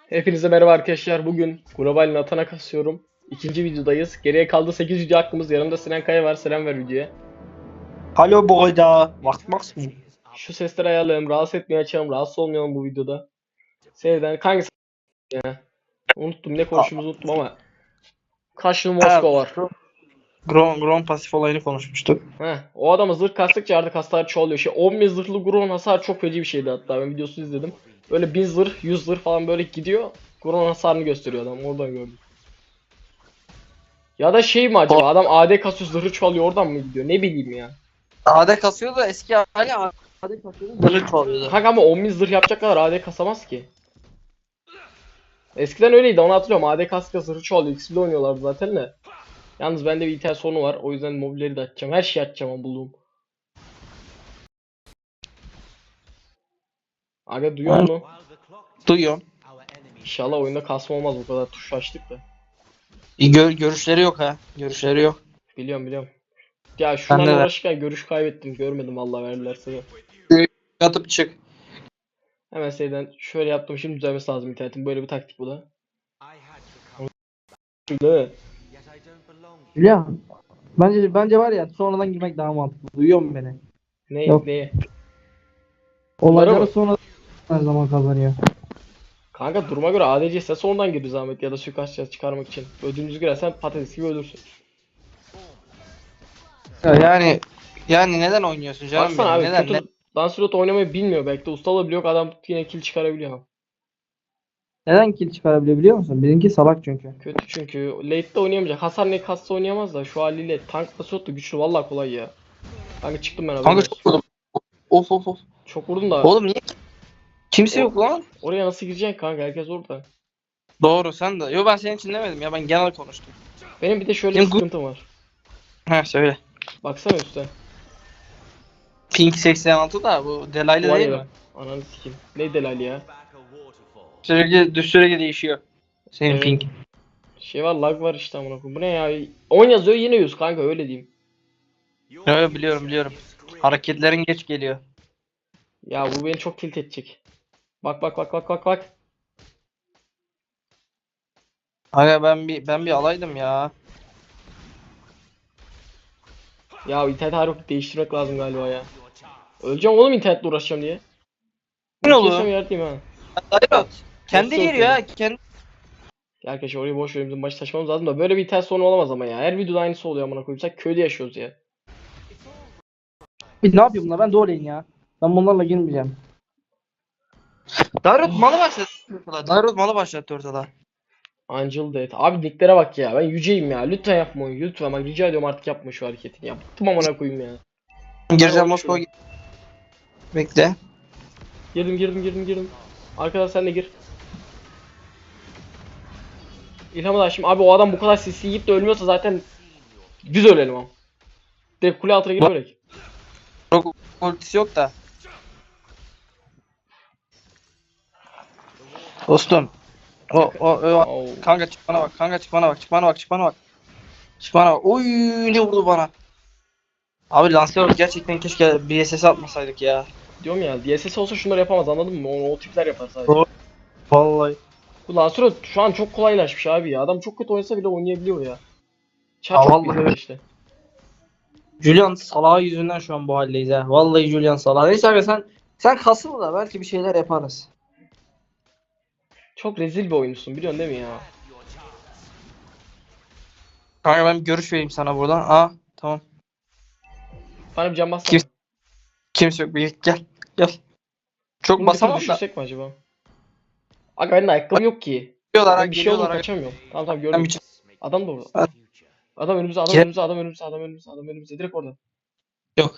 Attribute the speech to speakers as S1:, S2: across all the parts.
S1: Hepinize merhaba arkadaşlar. Bugün global Nathan'a kasıyorum. İkinci videodayız. Geriye kaldı 8 video hakkımız. Yanımda Sinan Kaya var. Selam ver videoya.
S2: Hallo Boyda. Macht mı?
S1: Şu sesleri ayarlayalım. Rahatsız etmeye açalım. Rahatsız olmayalım bu videoda. Sevden hangisi ya? Unuttum. Ne konuştuğumuzu unuttum ama. Kaşlı Moskova var.
S2: Gron pasif olayını konuşmuştuk.
S1: Heh, o adama zırh kastıkça artık hasar çoğalıyor. 10.000 zırhlı Gron hasar çok feci bir şeydi hatta. Ben videosunu izledim. Böyle 1000 zırh, 100 zırh falan böyle gidiyor. Gron hasarını gösteriyor adam. Oradan gördüm. Ya da şey mi acaba? Adam AD kasıyor zırhı çoğalıyor. Oradan mı gidiyor? Ne bileyim ya.
S2: AD kasıyordu, eski hali AD kasıyordu. Zırhı çoğalıyordu.
S1: Kanka ama 10.000 zırh yapacak kadar AD kasamaz ki. Eskiden öyleydi, onu hatırlıyorum. AD kaska zırhı çoğalıyor. XP'de oynuyorlardı zaten de. Yalnız bende bir item sorunu var. O yüzden mobilleri de açacağım. Her şeyi açacağım ama bulduğum. Aga duyuyor musun?
S2: Duyuyorum.
S1: İnşallah oyunda kasma olmaz, bu kadar tuş açtık da.
S2: Görüşleri yok ha. Görüşleri yok.
S1: Biliyorum. Ya
S2: Ben
S1: şunlarla
S2: de
S1: uğraşırken görüş kaybettim. Görmedim vallahi, verdiler sana.
S2: yatıp çık.
S1: Hemen şeyden şöyle yaptım. Şimdi düzelmesi lazım internetin. Böyle bir taktik bu da. Değil mi?
S2: Ya bence var ya, sonradan girmek daha mantıklı. Duyuyor musun beni?
S1: Ne,
S2: Yok.
S1: neye? Bunlara
S2: Olayları
S1: mı?
S2: sonra her zaman kazanıyor.
S1: Kanka duruma göre ADC ise sonradan gir zahmet ya da suikast çıkarmak için. Ödünüzü girersen patates gibi ölürsün.
S2: Yani neden oynuyorsun canım
S1: Baksana
S2: benim?
S1: abi,
S2: Neden? Ne?
S1: kötü Lancelot oynamayı bilmiyor, belki de ustalığı bile yok, adam yine kill çıkarabiliyor.
S2: Neden kill çıkarabiliyor biliyor musun? Bizimki salak çünkü.
S1: Kötü çünkü late'de oynayamayacak. Hasar ne kassa oynayamaz da şu haliyle tank Lancelot da güçlü, vallahi kolay ya. Kanka çıktım ben, haberin
S2: Kanka
S1: olsun.
S2: çok vurdum. Of.
S1: Çok vurdum da
S2: Oğlum niye? Kimse yok lan.
S1: oraya nasıl gireceksin kanka, herkes orada.
S2: Doğru, sen de. Yo, ben senin için demedim ya, ben genel konuştum.
S1: Benim bir de şöyle bir
S2: Şimdi
S1: sıkıntım var.
S2: söyle.
S1: Baksana üstte.
S2: Pink 86 da bu delaylı
S1: Var
S2: değil
S1: ya
S2: mi?
S1: ben. Ananı sikeyim. Ne delali ya.
S2: Sürekli değişiyor. Senin
S1: Evet.
S2: pink.
S1: Şey var, lag var işte amına koyayım. Bu ne ya? 10 yazıyor yine 100 kanka, öyle diyeyim.
S2: Evet, biliyorum. Hareketlerin geç geliyor.
S1: Ya bu beni çok tilt edecek. Bak.
S2: Aga ben bir alaydım ya.
S1: Ya internet harbi değiştirmek lazım galiba ya. Öleceğim oğlum internetle uğraşacağım diye.
S2: Ne
S1: Ulti
S2: oldu?
S1: yerdeyim ha.
S2: Dairot. Kendi
S1: Nasıl
S2: geliyor
S1: ulti?
S2: ha. Kendi.
S1: Ya arkadaşlar orayı boş ver, bizim başı taşımamız lazım da böyle bir internet sorunu olamaz ama ya. Her videoda aynısı oluyor amına koyayım. Sanki köyde yaşıyoruz ya.
S2: Ne yapıyor bunlar? Ben doğrulayın ya. Ben bunlarla girmeyeceğim. Dairot malı başlattı ortada. Dairot malı başlattı ortada.
S1: Angel Death. Abi nicklere bak ya. Ben yüceyim ya. Lütfen yapma oyunu. Lütfen bak, rica ediyorum artık yapma şu hareketini ya. Bıktım amına koyayım ya. Hadi
S2: Gireceğim
S1: oyna
S2: Moskova.
S1: şunu.
S2: Bekle.
S1: Girdim. Arkadaş sen de gir. İlham'ı da açtım. Abi o adam bu kadar sisi yiyip de ölmüyorsa zaten biz ölelim ama. Direkt kule altına girip ölek.
S2: Çok ultisi yok da. Dostum. O.
S1: Oo.
S2: Kanka çık bana bak. Çık bana bak. Oy, ne vurdu bana. Abi Lancelot gerçekten keşke BSS atmasaydık ya.
S1: Diyorum ya, DSS olsa şunları yapamaz, anladın mı? O tipler yapar sadece.
S2: Doğru. Vallahi.
S1: Bu Lancelot şu an çok kolaylaşmış abi ya. Adam çok kötü oynasa bile oynayabiliyor ya. Çar
S2: Ha,
S1: çok
S2: vallahi
S1: bilmiyor
S2: öyle.
S1: işte.
S2: Julian Salah yüzünden şu an bu haldeyiz ha. Vallahi Julian Salah. Neyse abi, sen kasıl da belki bir şeyler yaparız.
S1: Çok rezil bir oyuncusun, biliyorsun değil mi ya?
S2: Kanka ben bir görüş vereyim sana buradan. Aa, tamam.
S1: Bana bir can bassana.
S2: Kimse yok. Bir gel. Gel. Çok
S1: Bunu bir tur
S2: basamam da.
S1: düşürsek mi acaba? Aga benim de ayakkabı yok ki.
S2: Geliyorlar ha,
S1: Ben bir şey oldu
S2: geliyorlar ha.
S1: kaçamıyorum. Tamam
S2: Ben
S1: gördüm.
S2: bir
S1: Adam da orada.
S2: Ha,
S1: Adam önümüzde.
S2: gel.
S1: Adam önümüzde. Direkt orada.
S2: Yok.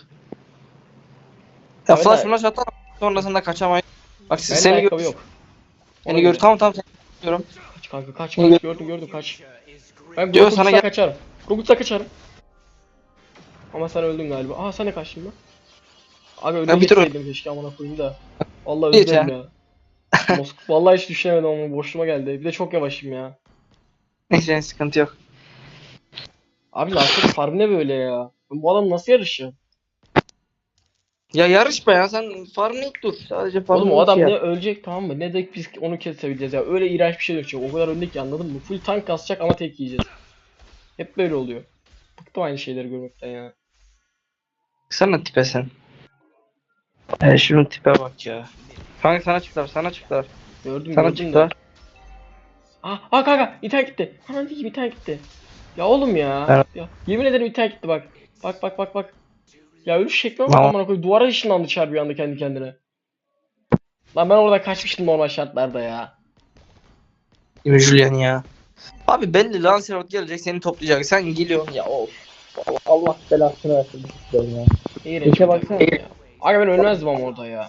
S2: Ya
S1: Abi
S2: flash
S1: de
S2: flash atarım. Sonrasında kaçamayız. Bak
S1: benim de
S2: seni
S1: ayakkabı
S2: gör.
S1: yok. Ona
S2: Seni gör.
S1: göre.
S2: Tamam seni görüyorum.
S1: Kaç kanka, kaç
S2: Seni gör.
S1: gördüm kaç. Ben
S2: Diyor sana,
S1: Groguts'tan
S2: gel.
S1: kaçarım. Groguts'tan kaçarım. Ama sen öldün galiba. Aha sen de kaçtın lan. Abi önüne
S2: Ya bir tur
S1: geçseydim keşke amına koyayım da. Vallahi
S2: geç
S1: özledim
S2: ya.
S1: ya. Vallahi hiç düşünemedim ama boşluğuma geldi. Bir de çok yavaşım ya.
S2: Neyse, sıkıntı yok.
S1: Abi Lancelot farm ne böyle ya? Bu adam nasıl yarışıyor?
S2: Ya yarışma ya, sen farmlayıp dur. Sadece
S1: Oğlum
S2: farmlayıp
S1: o adam
S2: şey
S1: ne
S2: yap.
S1: ölecek tamam mı? Ne de biz onu kesebileceğiz ya. Öyle iğrenç bir şey dökecek. O kadar önde ki anladın mı? Full tank kasacak ama tek yiyeceğiz. Hep böyle oluyor. Bıktım aynı şeyleri görmekten ya.
S2: Sana tipe sen. Şunun tipe bak ya. Kanka sana çıktılar, sana çıktılar.
S1: Gördüm
S2: Sana
S1: gördüm de.
S2: çıktılar.
S1: Kanka internet gitti. Aman diyeyim internet gitti. Ya oğlum ya.
S2: Evet.
S1: Ya yemin ederim internet gitti bak. Bak. Ya ölüş şekline bak
S2: Tamam.
S1: amına koyayım. Duvara ışınlandı çar bir anda kendi kendine. Lan ben orada kaçmıştım normal şartlarda ya.
S2: Gibi Julian ya. Abi belli Lancelot gelecek seni toplayacak. Sen geliyorsun ya of. Allah belasını versin bu sistem ya.
S1: İğrenç
S2: İşe
S1: bir
S2: baksana.
S1: takım ya. Aga ben ölmezdim ama orada ya.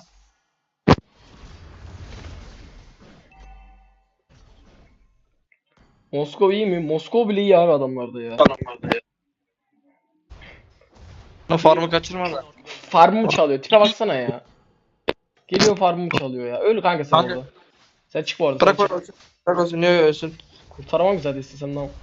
S1: Moskova iyi mi? Moskova bile iyi abi adamlarda ya.
S2: Farmı kaçırma da.
S1: Farmımı çalıyor. Tipe baksana ya. Geliyor farmımı çalıyor ya. Öl kanka sen
S2: Kanka.
S1: orada. Sen çık bu arada. Sen
S2: Bırak
S1: çık.
S2: ölsün. Bırak ölsün. Niye ölsün?
S1: Kurtaramam güzel değilsin sen lan.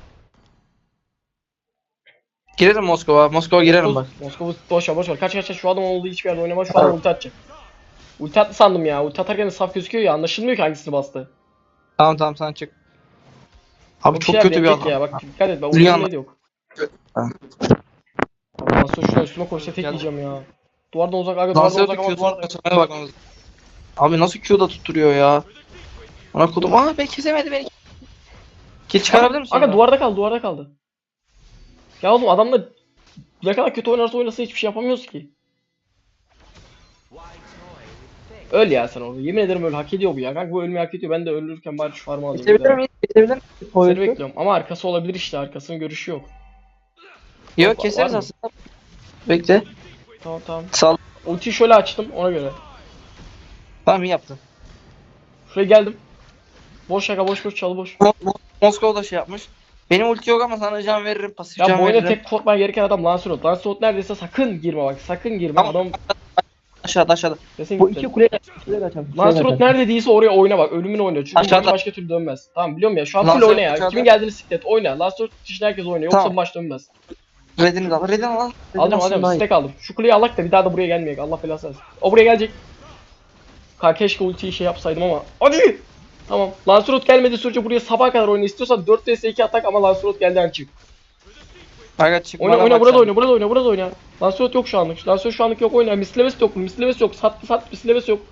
S2: Girerim Moskova. Moskova girerim bak.
S1: Moskova boş ver. Kaç. Şu adam olduğu hiçbir yerde oynamaz. Şu adam ulti atacak. Ulti attı sandım ya. Ulti atarken de saf gözüküyor ya. Anlaşılmıyor ki hangisini bastı.
S2: Tamam sen çık. Abi
S1: Yok
S2: çok
S1: şeyler
S2: kötü bir
S1: denk
S2: adam.
S1: ya. Bak dikkat et. Ben
S2: Julian-
S1: ultim neydi yok.
S2: Ha.
S1: Abi nasıl şuna üstüme koysa tek
S2: Gel.
S1: yiyeceğim ya. Duvardan uzak aga duvardan
S2: Lancelot'u
S1: uzak ama
S2: Q'suna
S1: duvardan.
S2: kaçırmaya bakmamız. Abi nasıl Q'da tutturuyor ya? Ona kodum. Aa ben kesemedi beni. Kill çıkarabilir misin?
S1: Aga
S2: oradan?
S1: duvarda kaldı. Ya oğlum adamla ne kadar kötü oynarsa oynasın hiçbir şey yapamıyoruz ki. Öl ya sen orada. Yemin ederim öl. Hak ediyor bu ya. Kanka bu ölmeyi hak ediyor. Ben de ölürken bari şu farmı alayım. bir
S2: Kesebilir
S1: daha.
S2: miyiz? Kesebilir miyiz?
S1: Seni
S2: Poyut'u.
S1: bekliyorum. Ama arkası olabilir işte. Arkasının görüşü yok.
S2: Yok
S1: Var
S2: keseriz
S1: mı?
S2: aslında. Bekle.
S1: Tamam.
S2: Sal.
S1: Ultiyi şöyle açtım ona göre.
S2: Tamam iyi yaptın.
S1: Şuraya geldim. Boş şaka boş çalı boş.
S2: Moskova da şey yapmış. Benim ulti yok ama sana can veririm. Pasif
S1: Ya
S2: can
S1: bu oyuna
S2: veririm.
S1: tek korkman gereken adam Lancelot. Lancelot neredeyse sakın girme bak. Sakın girme.
S2: Tamam.
S1: Adam
S2: Aşağıda.
S1: kesin
S2: Bu
S1: gitti.
S2: iki kuleye kaçalım.
S1: Lancelot nerede değilse oraya oyna bak. Ölümüne oyna. Çünkü bu
S2: Aşağıda.
S1: oyun başka türlü dönmez. Tamam biliyorum ya. Şu an full
S2: Lancelot
S1: oyna ya.
S2: aşağıda.
S1: Kimin geldiğini siklet. Oyna. Lancelot dışında herkes oynuyor. Yoksa
S2: Tamam.
S1: bu maç dönmez.
S2: Redini de al. Redini al.
S1: Alacağım. Stack aldım. Şu kuleyi alak da bir daha da buraya gelmeyecek. Allah belasını versin. O buraya gelecek. Keşke ultiyi şey yapsaydım ama. Hadi! Tamam. Lancelot gelmedi sürece buraya sabaha kadar oyna. İstiyorsan 4 vs 2 atak ama Lancelot geldi çık.
S2: Aga çık.
S1: Oyna
S2: bana bak
S1: burada
S2: sen.
S1: oyna. Lancelot yok şu anlık. Lancelot şu anlık yok oyna. Mislevesi yok. Mislevesi yok. Sat mislevesi yok.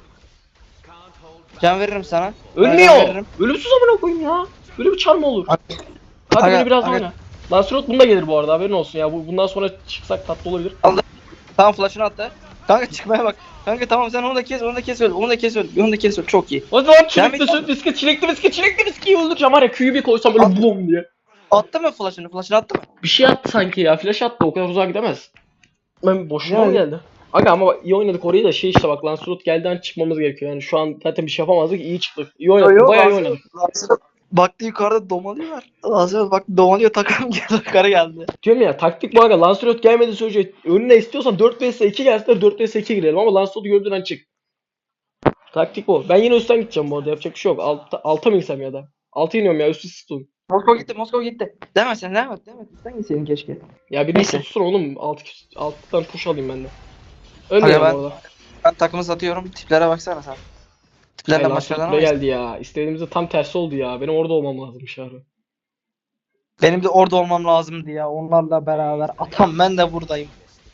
S2: Can veririm sana. Can
S1: Ölmüyor.
S2: veririm.
S1: Ölümsüz amına koyayım ya. Böyle bir çar mı olur?
S2: Aga-
S1: Hadi
S2: aga-
S1: beni biraz
S2: aga-
S1: oyna. Lancelot bunda gelir bu arada haberin olsun ya. Bundan sonra çıksak tatlı olabilir.
S2: Tamam flash'ını attı. Kanka çıkmaya bak. Kanka tamam sen onu da kes öl. Onu da kes öl. Çok iyi.
S1: O zaman
S2: Devam
S1: çilekli viski öldüreceğim var ya Q'yu bir koysam böyle bum diye.
S2: Attı mı flash'ını? Flash'ını attı mı?
S1: Bir şey attı sanki ya. Flash attı. O kadar uzağa gidemez. Ben boşuna mı
S2: Yani.
S1: geldi? Aga ama iyi oynadık orayı da şey işte bak Lancelot gelden çıkmamız gerekiyor. Yani şu an zaten bir şey yapamazdık. İyi çıktık. İyi oynadık. Bayağı iyi oynadık.
S2: Baktı yukarıda domalıyorlar. Lancelot bak domalıyor takım geldi. Yukarı geldi.
S1: Diyorum ya taktik bu aga. Lancelot gelmedi sürece önüne istiyorsan 4 vs 2 gelsinler 4 vs 2 girelim ama Lancelot'u gördüğün an çık. Taktik bu. Ben yine üstten gideceğim bu arada. Yapacak bir şey yok. Alta mı insem ya da? Alta iniyorum ya üstü tutun.
S2: Moskova gitti. Devam et sen devam et. Sen gitseydin keşke.
S1: Ya bir
S2: Neyse.
S1: tutsun oğlum. Alttan push alayım ben de. Ölmüyorum
S2: ben-
S1: orada.
S2: Ben takımı satıyorum. Tiplere baksana sen.
S1: Ay,
S2: Tiplerden
S1: Lancelot
S2: başkalarına
S1: buraya
S2: bak.
S1: geldi ya. İstediğimizde tam tersi oldu ya. Benim orada olmam lazımmış abi.
S2: Benim de orada olmam lazımdı ya. Onlarla beraber. Atam ben de buradayım.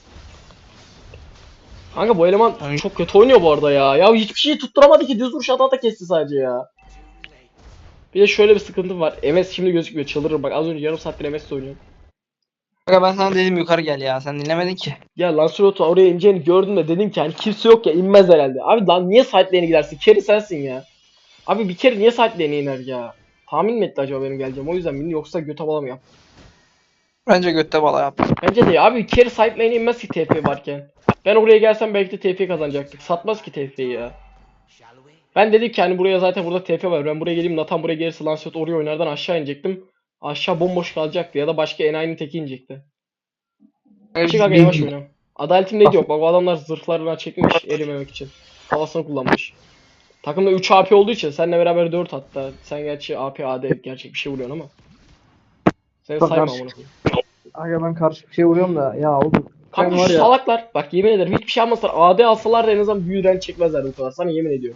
S1: Kanka bu eleman
S2: Ay.
S1: çok kötü oynuyor bu arada ya. Ya hiçbir şeyi tutturamadı ki. Düz vuruş ata kesti sadece ya. Bir de şöyle bir sıkıntım var. MS şimdi gözükmüyor. Çıldırırım. Bak az önce yarım saattir MS oynuyorum.
S2: Kanka ben sana dedim yukarı gel ya. Sen dinlemedin ki.
S1: Ya Lancelot'u oraya ineceğini gördüm de dedim ki hani kimse yok ya inmez herhalde. Abi lan niye side lane'e gidersin? Carry sensin ya. Abi bir kere niye side lane'e iner ya? Tahmin mi etti acaba benim geleceğim? O yüzden mi? Yoksa göte bala mı yap?
S2: Bence götte bala yap.
S1: Bence de ya. Abi carry side lane'e inmez ki TP varken. Ben oraya gelsem belki de TP kazanacaktık. Satmaz ki TP'yi ya. Ben dedim ki hani buraya zaten burada TP var. Ben buraya geleyim Nathan buraya gelirse Lancelot oraya oynardan aşağı inecektim. Aşağı bomboş kalacaktı ya da başka enayinin teki inecekti. Çık aga yavaş oyna. Adaletim neydi yok. Bak o adamlar zırhlarına çekmiş erimemek için. Kafasını kullanmış. Takımda 3 AP olduğu için seninle beraber 4 hatta. Sen gerçi AP AD gerçek bir şey vuruyorsun ama. Seni
S2: Çok
S1: sayma
S2: karışık.
S1: amına koyayım.
S2: Aga ben karşı bir şey vuruyorum da ya oğlum.
S1: Kanka
S2: var
S1: şu
S2: ya.
S1: salaklar. Bak yemin ederim hiçbir şey almasalar. AD alsalar da en azından büyü direnci çekmezler bu kadar. Sana yemin ediyorum.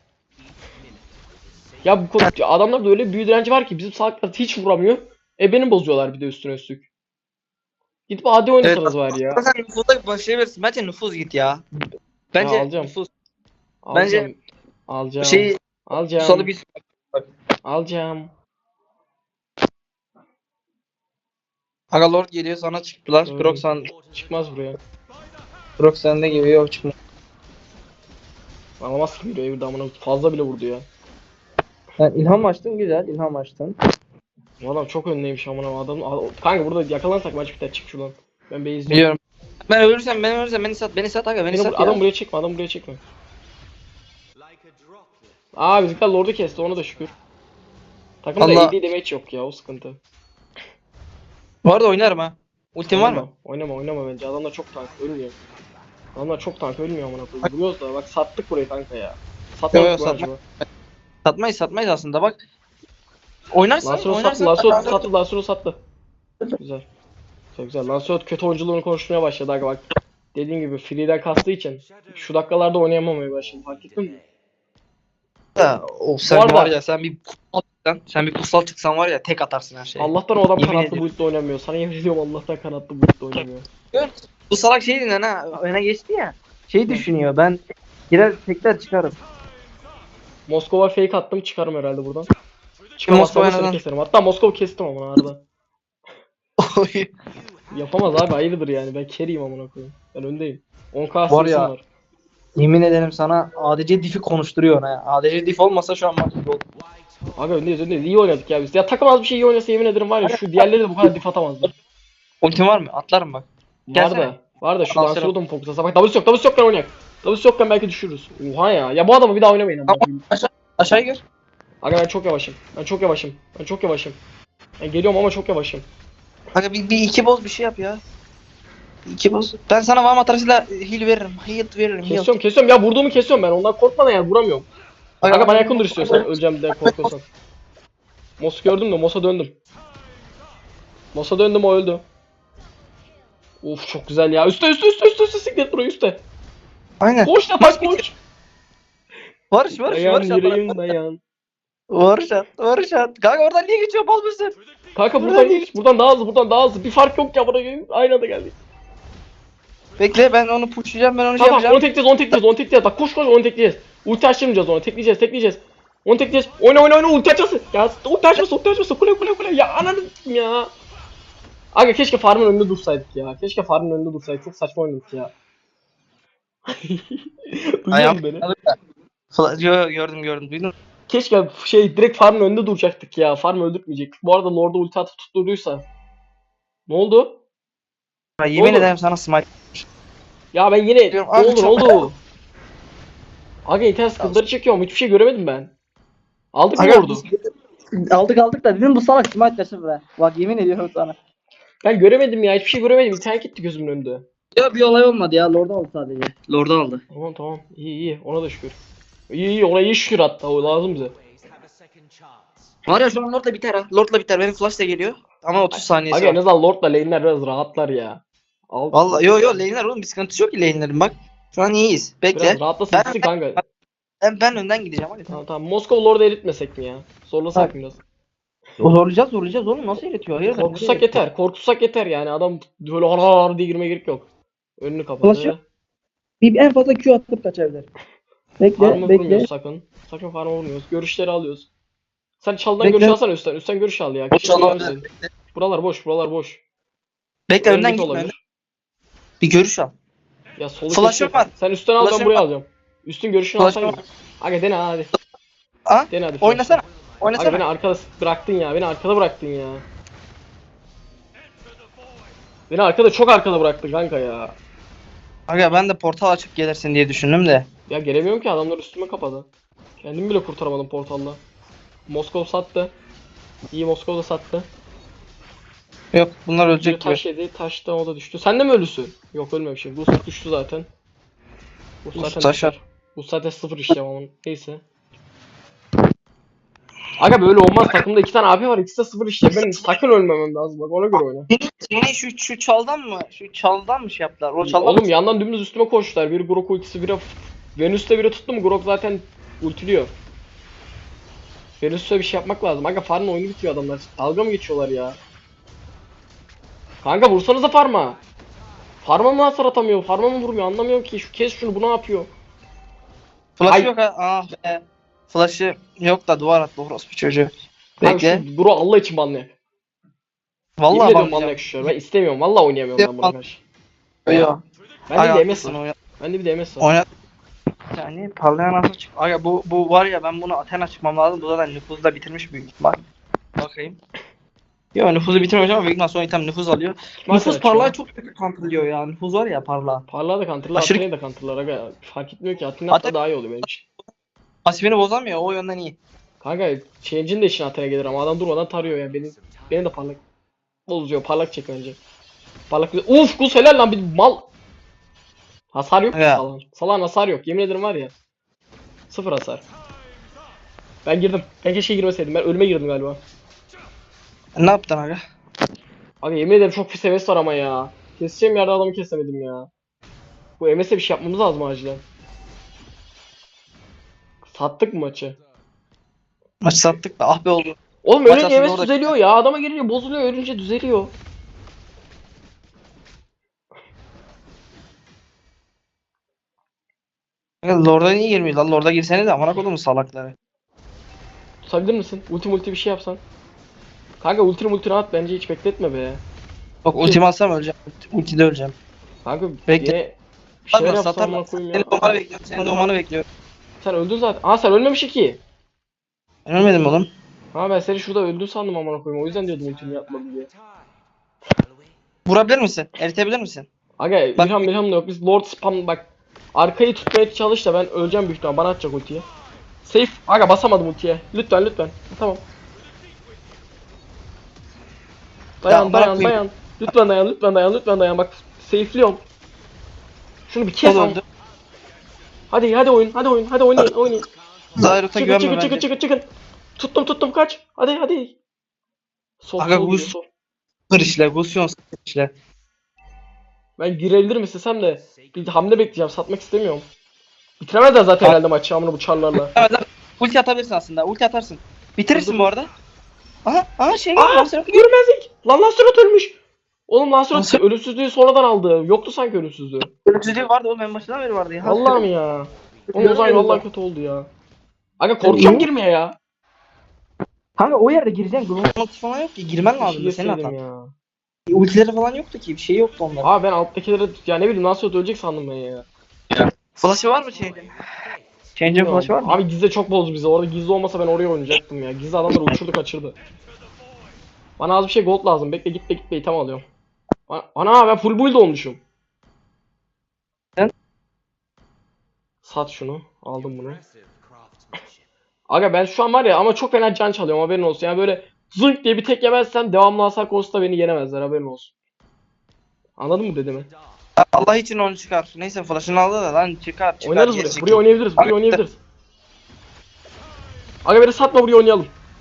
S1: Ya bu adamlarda öyle büyü direnci var ki bizim salaklar hiç vuramıyor. Beni bozuyorlar bir de üstüne üstlük. Gidip AD
S2: Evet.
S1: oynasanız var ya.
S2: Sen nüfuza başlayabilirsin. Bence nüfuz git ya. Bence
S1: alacağım.
S2: nüfuz.
S1: Alacağım.
S2: Bence
S1: Alacağım.
S2: şey
S1: Alacağım.
S2: salı bir
S1: Alacağım.
S2: Aga Lord geliyor sana çıktılar.
S1: Gördüm. Çıkmaz buraya.
S2: Grok sende gibi yok çıkma.
S1: Alamaz ki bir damına fazla bile vurdu ya.
S2: Yani ilham açtın güzel ilham açtın.
S1: Bu adam çok önleymiş amına adam. Kanka burada yakalansak maç biter çık şuradan. Ben bey izliyorum.
S2: Biliyorum. Ben ölürsem beni sat aga beni
S1: Beni
S2: sat
S1: adam
S2: ya.
S1: buraya çekme adam buraya çekme. Aa bizimkiler Lord'u kesti ona da şükür. Takımda
S2: Allah.
S1: AD damage yok ya o sıkıntı.
S2: Bu arada oynarım ha. Ultim var mı?
S1: Oynama bence adamlar çok tank ölmüyor. Adamlar çok tank ölmüyor amına koyayım. Vuruyoruz da bak sattık burayı kanka ya. Satmadık
S2: Yok,
S1: mı
S2: satma.
S1: acaba?
S2: Satmayız aslında bak. Oynarsan
S1: Lancelot sattı, Lancelot sattı. Güzel. Çok güzel. Lancelot kötü oyunculuğunu konuşmaya başladı aga bak. Dediğim gibi free'den kastığı için şu dakikalarda oynayamamaya başladı. Fark ettin mi?
S2: Da, sen
S1: Bu arada-
S2: var ya sen bir kutsal çıksan var ya tek atarsın her şeyi.
S1: Allah'tan o adam
S2: Yemin
S1: kanatlı
S2: ediyorum.
S1: build'de oynamıyor. Sana yemin ediyorum Allah'tan kanatlı build'de oynamıyor.
S2: Bu salak şey dinlen ha öne geçti ya. Şey düşünüyor ben girer tekrar çıkarım.
S1: Moskova fake attım çıkarım herhalde buradan. Çıkamazsam da seni
S2: neden?
S1: keserim. Hatta Moskova kestim amına arada. Yapamaz abi hayırdır yani ben carry'im amına koyayım. Ben öndeyim. 10k
S2: Var
S1: var
S2: ya.
S1: var.
S2: Yemin ederim sana ADC diff'i konuşturuyor ha. ADC diff olmasa şu an maç oldu.
S1: Abi öndeyiz iyi oynadık ya biz. Ya takım az bir şey iyi oynasa yemin ederim var ya şu diğerleri de bu kadar dif atamazdı.
S2: Ultim var mı? Atlarım bak. Gelsene.
S1: Var da şu
S2: Lancelot.
S1: Lancelot'u mu fokuslasa bak W'su yokken oynayak. W'su yokken belki düşürürüz. Oha ya. Ya bu adamı bir daha oynamayın ama.
S2: Aşağı gir.
S1: Aga ben çok yavaşım. Ben geliyorum ama çok yavaşım.
S2: Kanka bir iki boz bir şey yap ya. İki boz. Ben sana Vaham atarısıyla heal veririm. Heal veririm. Heal.
S1: Kesiyorum ya vurduğumu kesiyorum ben ondan korkmadan yani vuramıyorum. Aga bana yakın dur istiyorsan öleceğim diye korkuyorsan. Mos'u gördüm de Mos'a döndüm. O öldü. Uf çok güzel ya. Üste siklet burayı üste.
S2: Aynen.
S1: Koş da tak koş.
S2: Barış
S1: Dayan
S2: at.
S1: yüreğim dayan.
S2: Barış at. Kanka oradan niye geçiyor bal mısın?
S1: Kanka buradan daha hızlı. Bir fark yok ya buraya aynı anda geldik.
S2: Bekle ben onu pushlayacağım ben onu
S1: Tamam
S2: yapacağım.
S1: onu tekleyeceğiz. Bak koş onu tekleyeceğiz. Ulti açtırmayacağız onu. Tekleyeceğiz. Onu tekleyeceğiz. Oyna ulti açmasın. Ya ulti açmasın. Kule. Ya ananı ya. Aga keşke farmın önünde dursaydık ya. Çok saçma oynadık ya. Duyuyor musun beni?
S2: Gördüm. Duydun mu?
S1: Keşke direkt farmın önünde duracaktık ya. Farmı öldürtmeyecektik. Bu arada Lord'a ulti atıp tutturduysa. Ne oldu?
S2: Yemin
S1: Oğlum.
S2: ederim sana smite.
S1: Ya ben yine
S2: Diyorum,
S1: ne
S2: abi
S1: oldu?
S2: çok-
S1: Aga internet sıkıntıları çekiyorum. Hiçbir şey göremedim ben. Aldık mı
S2: Aga,
S1: Lord'u?
S2: Aldık da dedim bu salak smite taşı be. Bak yemin ediyorum sana.
S1: Ben göremedim ya. Hiçbir şey göremedim. İnternet gitti gözümün önünde.
S2: Ya bir olay olmadı ya. Lord'u aldı sadece. Lord'u aldı.
S1: Tamam. İyi. Ona da şükür. İyi. Ona iyi şükür hatta. O lazım bize.
S2: Var ya şu an Lord'la biter ha. Lord'la biter. Benim flash da geliyor. Ama 30 saniyesi
S1: Aga en
S2: var.
S1: azından Lord'la lane'ler biraz rahatlar ya.
S2: Vallahi yo lane'ler oğlum bir sıkıntısı yok ki lane'lerin bak. Şu an iyiyiz. Bekle.
S1: Biraz rahatlasın gitsin kanka.
S2: Ben önden gideceğim hadi.
S1: Tamam. Moskova Lord'u eritmesek mi ya? Zorlasak mı biraz?
S2: Zorlayacağız oğlum nasıl eritiyor? Hayırdır?
S1: Korkutsak yeter yani. Adam böyle har diye girmeye gerek yok. Önünü
S2: Flash yok.
S1: kapadı.
S2: Bir en fazla Q atıp kaçabilir.
S1: Farm'a
S2: Bekle.
S1: vurmuyoruz sakın. Sakın farm'a vurmuyoruz. Görüşleri alıyoruz. Sen çaldan
S2: Bekle.
S1: görüş alsana üstten. Üstten görüş al ya.
S2: O çalan-
S1: Buralar boş.
S2: Bekle önden
S1: Öndeki
S2: gitme.
S1: olabilir.
S2: Önden. Bir görüş al.
S1: Ya solu
S2: Flash'ım
S1: kesiyor.
S2: var.
S1: Sen üstten al ben
S2: Flash'ım
S1: buraya
S2: var.
S1: alacağım. Üstün görüşünü
S2: Flash'ım
S1: alsana.
S2: var.
S1: Aga dene hadi.
S2: Ha?
S1: Dene hadi.
S2: Oynasana.
S1: Aga beni
S2: Oynasana.
S1: arkada bıraktın ya. Beni arkada çok arkada bıraktın kanka ya.
S2: Aga ben de portal açıp gelirsin diye düşündüm de.
S1: Ya gelemiyorum ki adamlar üstüme kapadı. Kendimi bile kurtaramadım portalla. Moskova sattı. İyi Moskova da sattı.
S2: Yok bunlar
S1: Bir
S2: ölecek gibi.
S1: taş yedi. Taştan o da düştü. Sen de mi ölüsün? Yok ölmemişim. Bu düştü zaten. Bu zaten
S2: taş
S1: düşer. Bu zaten sıfır işlem ama neyse. Aga böyle olmaz. Takımda 2 tane abi var. İkisi de 0 işte. Benim sakın ölmemem lazım. Bak ona göre oyna.
S2: Seni şu çaldan mı? Şu çaldan mı şey yaptılar? O çaldan
S1: Oğlum
S2: mı?
S1: yandan dümdüz üstüme koştular. Biri Grok ultisi, biri Venüs'te biri tuttu mu Grok zaten ultiliyor. Venüs'te bir şey yapmak lazım. Aga farmın oyunu bitiyor adamlar. Dalga mı geçiyorlar ya? Kanka vursanıza farma. Farma mı hasar atamıyor? Farma mı vurmuyor? Anlamıyorum ki. Şu kes şunu, bu ne yapıyor?
S2: Flash
S1: Ay.
S2: yok ha. Ah be. Flash'ı yok da duvar attı orospu çocuğu.
S1: Kanka
S2: Bekle.
S1: şu Grok Allah için banlayak. Yemin
S2: Vallahi
S1: ediyorum
S2: bak.
S1: banlayak şu an. Ben istemiyorum. Vallahi oynayamıyorum ben buna karşı.
S2: Yok.
S1: Bende bir de MS var. Bende bir de MS var.
S2: Oynat. Yani parlayan asıl çık. Aga bu var ya, ben bunu Athena çıkmam lazım. Bu zaten nüfuzu da bitirmiş büyük ihtimal. Bakayım. Yok, nüfuzu bitirmemiş ama büyük ihtimal son item nüfuz alıyor.
S1: Athena
S2: Nüfuz parlağı
S1: çıkıyor.
S2: çok kötü counterlıyor ya. Nüfuz var ya parlağı.
S1: Parlağı da counterlar,
S2: Aşırı-
S1: Athena'yı da counterlar aga. Fark etmiyor ki. Athena hatta daha iyi oluyor benim için.
S2: Pasifini bozamıyor, o yönden iyi.
S1: Kanka Change'in de işine Athena gelir ama adam durmadan tarıyor ya. Beni de parlak bozuyor. Parlak çek önce. Parlak bir... Uf Gus helal lan, bir mal. Hasar yok ki
S2: Ya.
S1: Salan. Salan hasar yok. Yemin ederim var ya. Sıfır hasar. Ben girdim. Ben keşke girmeseydim. Ben ölüme girdim galiba.
S2: Ne yaptın aga?
S1: Abi yemin ederim çok pis heves var ama ya. Keseceğim yerde adamı kesemedim ya. Bu MS'e bir şey yapmamız lazım acilen. Sattık mı maçı?
S2: Maçı sattık da ah be oldu.
S1: Oğlum
S2: Maç
S1: ölünce
S2: aslında
S1: MS
S2: orada-
S1: düzeliyor ya. Adama gelince bozuluyor. Ölünce düzeliyor.
S2: Aga, Lord'a niye girmiyor lan? Lord'a girsene de amına kodumun salakları.
S1: Tutabilir misin? Ulti bir şey yapsan. Kanka ultini at bence, hiç bekletme be.
S2: Bak ultimi alsam öleceğim. Ultide öleceğim.
S1: Kanka
S2: Bekle.
S1: yine bir şeyler
S2: Satarlar,
S1: yapsan
S2: satarlar.
S1: amına koyayım
S2: Senin
S1: ya.
S2: doğmanı bekliyorum. Senin doğmanı bekliyorum.
S1: Sen öldün zaten. Aa sen ölmemiş ki.
S2: Ben ölmedim oğlum.
S1: Ha ben seni şurada öldün sandım amına koyayım. O yüzden diyordum ultini yapmadı diye.
S2: Vurabilir misin? Eritebilir misin?
S1: Aga
S2: Bak-
S1: İlham da yok. Biz Lord spam bak. Arkayı tutmaya çalış da ben öleceğim büyük ihtimal. Bana atacak ultiyi. Safe. Aga basamadım ultiye. Lütfen. Tamam. Dayan
S2: Ya, bırakmayayım.
S1: dayan. Lütfen dayan. Bak safe'liyorum. Şunu bir kes
S2: O da
S1: al.
S2: öldü.
S1: Hadi oyun. Hadi oynayın.
S2: Zyrot'a güvenme bence.
S1: Çıkın. Tuttum kaç. Hadi. Sol
S2: Aga,
S1: sol
S2: bu-
S1: sol.
S2: Sıfır işle. Gusyon sıfır işle.
S1: Ben girebilirim istesem de bir hamle bekleyeceğim. Satmak istemiyorum. Bitiremezler zaten herhalde maçı amına bu çarlarla.
S2: Evet, evet. Ulti atabilirsin aslında. Ulti atarsın. Bitirirsin
S1: Dur.
S2: bu arada. Aha şey
S1: Aa!
S2: var.
S1: Görmezlik! Lan Lancelot ölmüş! Oğlum Lancelot
S2: Nasıl?
S1: ölümsüzlüğü sonradan aldı. Yoktu sanki ölümsüzlüğü.
S2: Ölümsüzlüğü vardı oğlum, en başından beri vardı ya.
S1: Vallahi mi ya? Oğlum o zaman vallahi kötü oldu ya. Aga korkuyorum girmeye ya.
S2: Kanka o yerde gireceksin. Global ulti falan yok ki. Girmen
S1: Bir şey
S2: lazım senin
S1: yeseydim
S2: hatan.
S1: ya.
S2: Ultileri falan yoktu ki. Bir şey yoktu onların.
S1: Abi ben alttakilere ya ne bileyim Lancelot ölecek sandım ben ya.
S2: Flash'ı var mı Change'in? Change'in flash'ı var mı?
S1: Abi Gizli çok bozdu bizi. Orada Gizli olmasa ben oraya oynayacaktım ya. Gizli adamları uçurdu kaçırdı. Bana az bir şey gold lazım. Bekle gitme item alıyorum. Ana ben full build olmuşum.
S2: Sen?
S1: Sat şunu. Aldım bunu. Aga ben şu an var ya ama çok fena can çalıyorum, haberin olsun. Yani böyle zınk diye bir tek yemezsem devamlı hasar konusunda beni yenemezler, haberin olsun. Anladın mı dediğimi?
S2: Allah için onu çıkar. Neyse flash'ını aldı da lan çıkar.
S1: Oynarız
S2: geri
S1: buraya.
S2: çekil.
S1: Buraya oynayabiliriz. Aga beni satma, buraya oynayalım.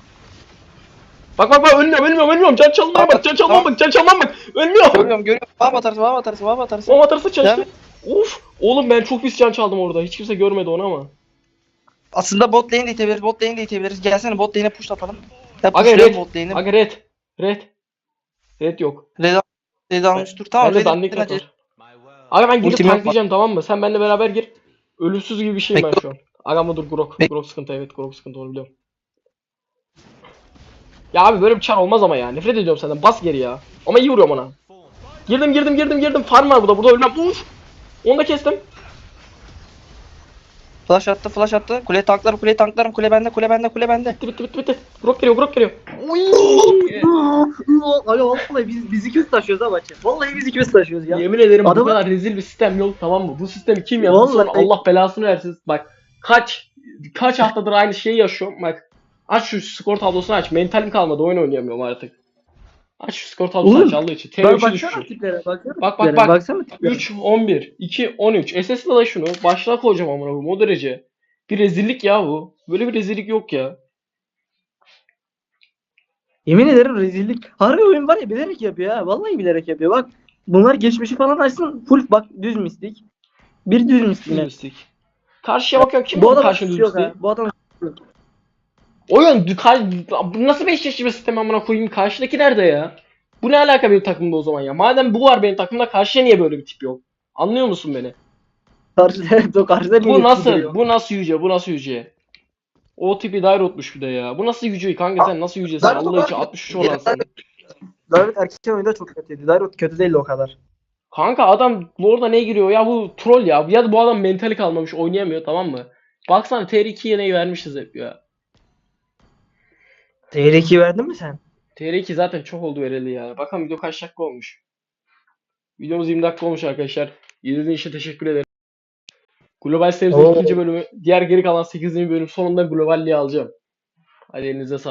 S1: Bak ölmüyorum. Can çalmaya bak. Can çalmam bak. Ölmüyorum.
S2: Görüyorum. Vahap atarsın.
S1: O atarsa
S2: Devam
S1: çalıştı. Uf. Oğlum ben çok pis can çaldım orada. Hiç kimse görmedi onu ama.
S2: Aslında bot lane de itebiliriz. Gelsene bot lane'e push atalım. Ya
S1: Aga
S2: pushlayalım
S1: red.
S2: bot lane'e.
S1: Aga red. Red yok.
S2: Red almış dur. Tamam
S1: Bende
S2: red
S1: dandik
S2: acele-
S1: var. Aga ben girip
S2: Ultim yok
S1: tanklayacağım, tamam mı? Sen benimle beraber gir. Ölümsüz gibi bir şeyim ben
S2: Bekle.
S1: şu an. Aga ama dur Grok.
S2: Bekle.
S1: Grok sıkıntı, evet Grok sıkıntı, onu biliyorum. Ya abi böyle bir çar olmaz ama ya. Nefret ediyorum senden. Bas geri ya. Ama iyi vuruyorum ona. Girdim. Farm var burada. Burada ölmem. Uf. Onu da kestim.
S2: Flash attı. Kule tanklarım. Kule bende.
S1: Bitti. Grok geliyor. Uy.
S2: Abi vallahi biz ikimiz taşıyoruz ha maçı. Vallahi biz ikimiz taşıyoruz ya.
S1: Yemin ederim bu
S2: Adamı-
S1: kadar rezil bir sistem yok, tamam mı? Bu sistemi kim yaptı?
S2: Vallahi-
S1: Sonra Allah belasını versin. Bak kaç haftadır aynı şeyi yaşıyorum. Bak aç şu skor tablosunu aç. Mentalim kalmadı. Oyun oynayamıyorum artık. Aç şu skor tablosunu
S2: Oğlum,
S1: aç Allah için. TV3'ü düşüşüm.
S2: tiplere
S1: Bak.
S2: Baksana tiplere.
S1: 3, 11, 2, 13. SS'le da şunu. Başlığa koyacağım amına koyayım o derece. Bir rezillik ya bu. Böyle bir rezillik yok ya.
S2: Yemin ederim rezillik. Harbi oyun var ya bilerek yapıyor ha. Vallahi bilerek yapıyor. Bak bunlar geçmişi falan açsın. Full bak düz mistik. Bir düz mistik
S1: Düz
S2: yine.
S1: mistik. Karşıya bakıyorum. Kim
S2: Bu
S1: bu
S2: adamın
S1: karşında düz
S2: suçu yok
S1: mistiği?
S2: ha. Bu adamın suçu yok.
S1: Oyun bu nasıl 5 yaşlı sistem amına koyayım? Karşıdaki nerede ya? Bu ne alaka benim takımda o zaman ya? Madem bu var benim takımda karşıya niye böyle bir tip yok? Anlıyor musun beni?
S2: Karşıda, o karşıda niye
S1: Bu
S2: yetki
S1: nasıl?
S2: duruyor?
S1: Bu nasıl yüce? Bu nasıl yüce? O tipi Dairot'muş bir de ya. Bu nasıl yüce kanka sen nasıl yücesin?
S2: Dairot
S1: Allah
S2: o
S1: için
S2: kadar
S1: 63 olansın.
S2: Dairot erken oyunda çok kötüydü. Dairot kötü değildi o kadar.
S1: Kanka adam Lord'a ne giriyor ya bu troll ya. Ya da bu adam mentali kalmamış oynayamıyor tamam mı? Baksana TR2'ye neyi vermişiz hep ya.
S2: TR2 verdin mi sen?
S1: TR2 zaten çok oldu vereli ya. Bakalım video kaç dakika olmuş. Videomuz 20 dakika olmuş arkadaşlar. İzlediğiniz için teşekkür ederim. Global serimizin
S2: Oo.
S1: ikinci bölümü. Diğer geri kalan 8. bölüm sonunda globalliği alacağım. Hadi elinize sağlık.